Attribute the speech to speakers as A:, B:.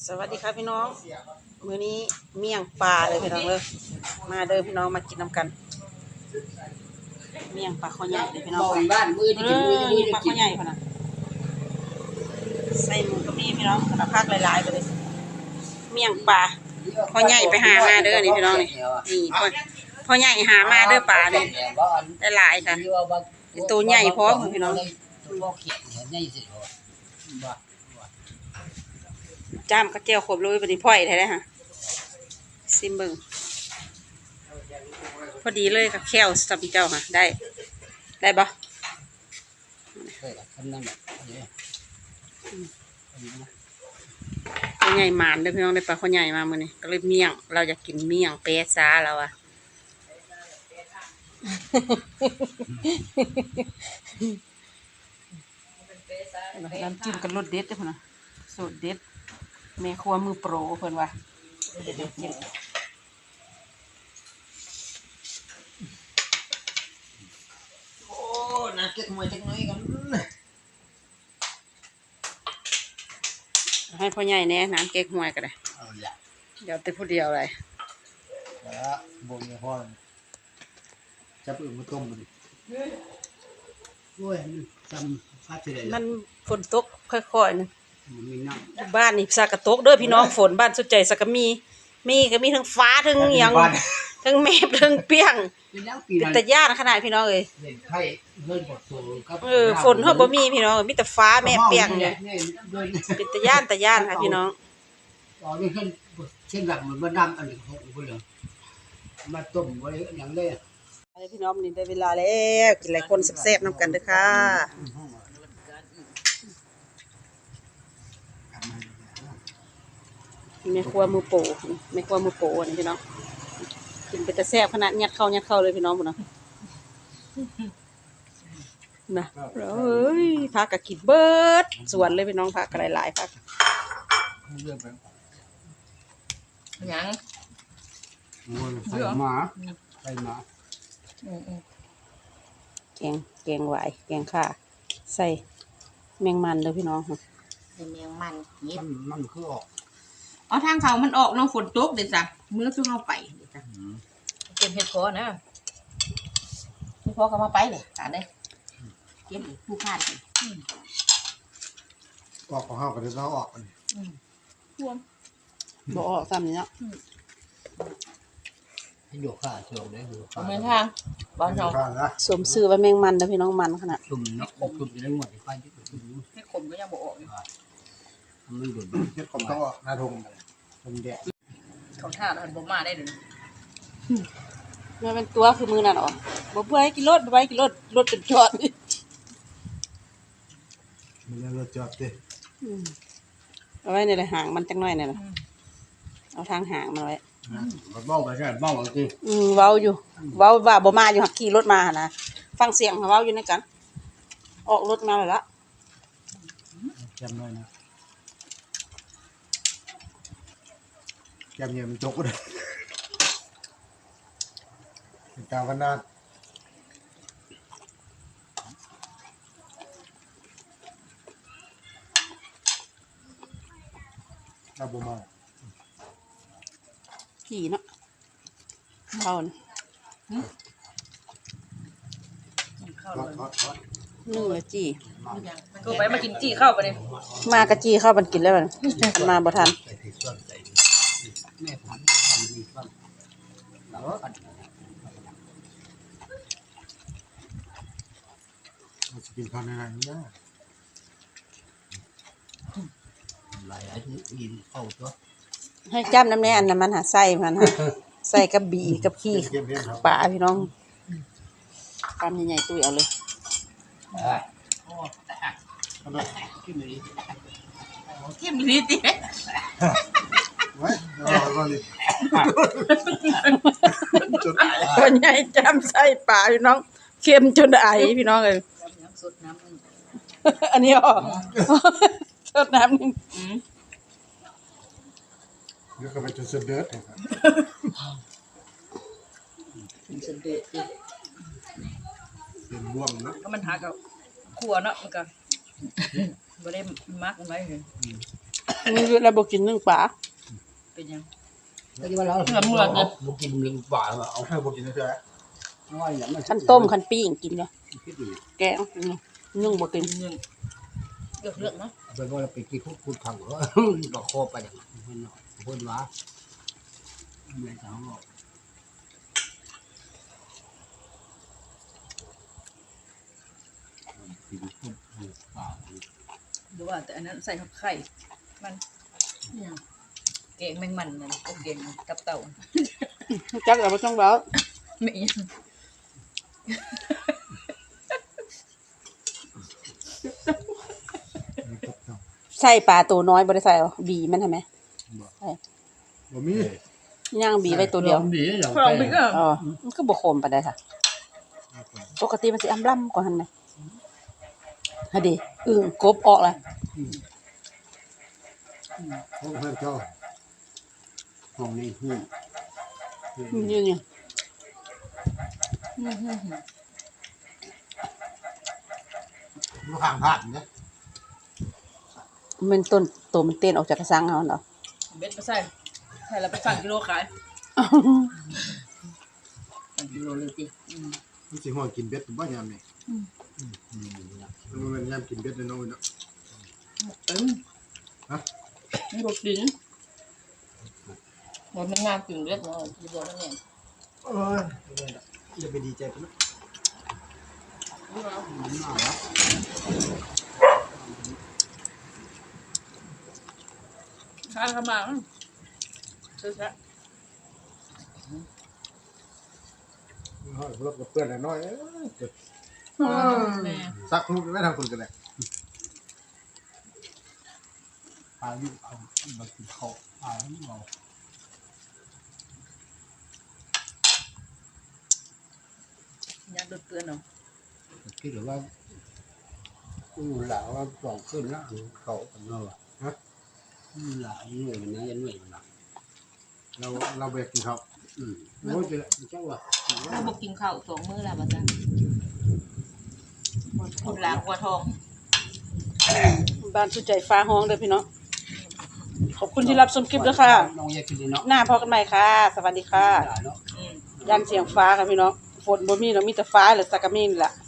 A: สวัสดีครับพี่น้องมื้อนี้เมี่ยงปลาเลยพี่น้องเลยมาเด้อพี่น้องมากินน้ำกันเมี่ยงปลาข้าวใหญ่เลยพี่น้อง
B: บ้านมือที่กินมือที่มือ
A: ปลา
B: กิ
A: ข้าน วใหญ่พะนะใส่หมูกับนี่พี่น้องกระพักหลายๆไปเลยเมี่ยงปลาข้าวใหญ่ไปหามาเด้อนี่พี่น้องนี่พ่อใหญ่หามาเด้อปลานี่ได้หลายค่ะตัวใหญ่พร้อมพี่น้องจ้ามกระเจียวขบเลยบัดนี้พ่อยได้เลยฮะซิมเบิ้งพอดีเลยกับแควสับเจ้าค่ะได้บ่ข้าวใหญ่หมานเด้อพี่น้องได้ปลาข้าวใหญ่มามื้อนี้ก็เลยเมี่ยงเราอยากกินเมี่ยงเป๊ะซ่าแล้วอ่ะน้ำจิ้มกับรสเด็ดเด้อพุ่นน่ะสูตรเด็ดแม่ครัวมือโปรเพิ่นว่าเด็ดกิน
B: โอ้น่าเก็บมวยจักหน่อยกัน
A: ให้พ่อใหญ่แน่น้ำเก๊กฮวยก็ได้เดี๋ยวแต่ผู้เดียวเลย
B: แล้วบ่มีพ่อจับอึ่งมาต้มมันโอ้ยมันจำฟาดสิได้
A: มันฝนตกค่อยๆนึง
B: มีน้ำ
A: บ้านนี่สักกะตกเด้อพี่น้องฝนบ้านสุดใจสักกะมีก็มีทั้งฟ้าทั้งหยังทั้งแมบทั้งเปี้ยงเป็นตะย่านขนาดพี่น้องเอ้ยฝนเฮาบ่มีพี่น้องมีแต่ฟ้าแมบเปี้ยงเนี่ยเป็นตะย่านค่ะพี่น้อง
B: อ๋อนี่เช่นหลักมันบ่ดำอันนี้ของบ่เหลือมาต้มไว้หยังได้
A: พี่น้องนี่ได้เวลาแล้วกินหลายคนแซ่บๆนำกันเด้อค่ะแม่ครัวมือโปแม่ครัวมือโปนี่พี่น้องกินเป็นแต่แซ่บขนาดยัดเข้าเลยพี่น้องพุ่นน่ะนะเอ้ยผักก็กินเบิดสวนเลยพี่น้องผักก็หลายๆผัก
B: ยังใส่หมา
A: แกงหวายแกงข่าใส่แมงมันเลยพี่น้อง
B: ใส่แมงมันมันคือออก
A: เอาทางเขามันออกน้องฝนตกเด็ดจ้ะมื้อคือเอาไปเด็ดจ้ะ
B: เก็บเห็ดพอนะเห็ดพอก็มาไปเลยตาได้เก็บอีกผู้พานออกของเฮาก็ได้เราออกมัน
A: บ่ออกซ้ำนี่เนาะ
B: ให้อยู่ข้าช่วงได้อยู่
A: ข้างทางบ้านเราสมซื่อว่าแมงมันนะพี่น้องมันขนาด
B: ตุ่มเนาะตุ่มอยู่ในหมดไฟ
A: ให้ขมก็ยังบ่ออก
B: มันดุเฮ็ดขมต้องออกหน้าทงมันแดด
A: เขาท่าหันบ่มาได้เด้อมันเป็นตัวคือมือนั่นอ๋อบ่เพื่อให้กินรถบ่ไปกินรถจนจอด
B: มันรถจอดดิ
A: เอาไว้นี่แหละหางมันจังน้อยนี่ล่ะเอาทางหางมันไว้
B: เบ้าไปใช่เบ้าจริง
A: เว้าอยู่เว้าว่าบ่มาอยู่หักขี่รถมาหั่นนะฟังเสียงเว้าอยู่ในกันออกรถมาแล้วล่ะ
B: จำหน่อยนะจำเนี่ยมันจกเลยตาวันนั้นเราบ่มา
A: ขี่เนาะเข้านะนึ่งเลยจี้
C: ก็ไปมากินจี้เข้าไปเลย
A: มากะจี้เข้ามันกินแล้วมันมาบ่ทัน
B: แม่ผมทำดีบ้างแล้วกันจะกินข้าวในไหนเนี่ยหลายอันนี้กินเข้าตัว
A: ให้จ้ำน้ำแน่อันนั้นมันหาใส่มันฮะใส่กับบีกับขี้ปลาพี่น้องปลาใหญ่ๆตุ้ยเอาเลย
C: เข้มนิดดิ
A: คนใหญ่จ้ำใส่ปลาพี่น้องเค็มจนไอพี่น้องเลยอันนี้อ๋อสดน้ำนึง
B: เดี๋ยวก็ไปจนเสด็จเป็นบ่วงเนาะ
C: ก็มันหากับขัวเนาะมันก็บ่ได้มักไว้เลย
A: นี่คือเราบ่กินนึ่งปลา
C: เป็นยัง
B: ก็ที่ว่าเรา
C: เหมือนเหมือนเนี่ย
B: บุกินหนึ่งป่าเอาให้บุกินนะเจ้าน้อยอย่างนั้น
A: คันต้มคันปิ้งกินเลย
B: คิดดู
A: แกงนึ่งบ่กิน
C: เรื่องเรื่องเนาะ
B: เป็นว่าเราไปกินคุดทางเหรอดอกคอไปอย่างนั้นเนาะพูดว่าไม่ใช่หรอกกินคุดป่า
C: ดูว่าแต่อันนั้นใส่ไข่มันเก่งแมงมันนั่นก็เก่งกับเต่า
A: จักเอาบ่ต้องเว้า
C: ไม่ยัง
A: ใส่ปลาตัวน้อยบ่ได้ใส่บีมันใช่ไหม
B: บ่มี
A: ย่างบีไว้ตัวเดียว
B: ดีอย่าง
C: ลองไปก็
A: อ๋อมันก็บ่คมปานใดค่ะปกติมันสิอำล่ำกว่าหั่นน่ะฮะดิกบออกแล้ว
B: ห้องเพื่อนเจ้าห้องนี้หุ้น
A: นี่
B: ลูกห่างผ่านนะ
A: มันต้นตัวมันเต้นออกจากกระสังเฮาเนาะ
C: เบ็ดไปใส่แล้วไปสั่งกิโลขายสั่งกิโลเลยสิ
B: มันสิห่อกินเบ็ดบ้านยามนี่มันยามกินเบ็ดเลยน้องเนาะ
C: นี่รถดินมันงามกึ่งเล็กเนาะกิโลนั่นเอง
B: เอ้ยจะไปดีใจกันนะน่ารัก
C: ข้างเข้ามาซื้อซะ
B: รถกับเพื่อนน้อย
C: แม่
B: ซักลูกไม่ทำคนกันเลยพายุเอามากินข้าวพายุเอา
C: ยาดเตือนเนาะ
B: คิดหรือว่าหลาว่าปล่องขึ้นแล้วเขากันเนาะฮะหลายหน่วยมันนะยันหน่วยมันนะเราเบรกกินเขาโอ้ยเจ้าว่ะ
C: เราบอกกินข้าว2 มื้อแล้วป่ะจ๊ะคนล้างหัวทอง
A: บ้านสุใจฟ้าห้องเด้อพี่น้องขอบคุณที่รับชมคลิปด้วยค่ะ
B: น้องอยากกินเนาะ
A: หน้าพอกันใหม่ค่ะ สวัสดีค่ะ
B: เนาะ
A: ยันเสียงฟ้าค่ะพี่น้องฝนบ่มีเนาะมีแต่ฟ้าหรือสักกะมีนี่แหละ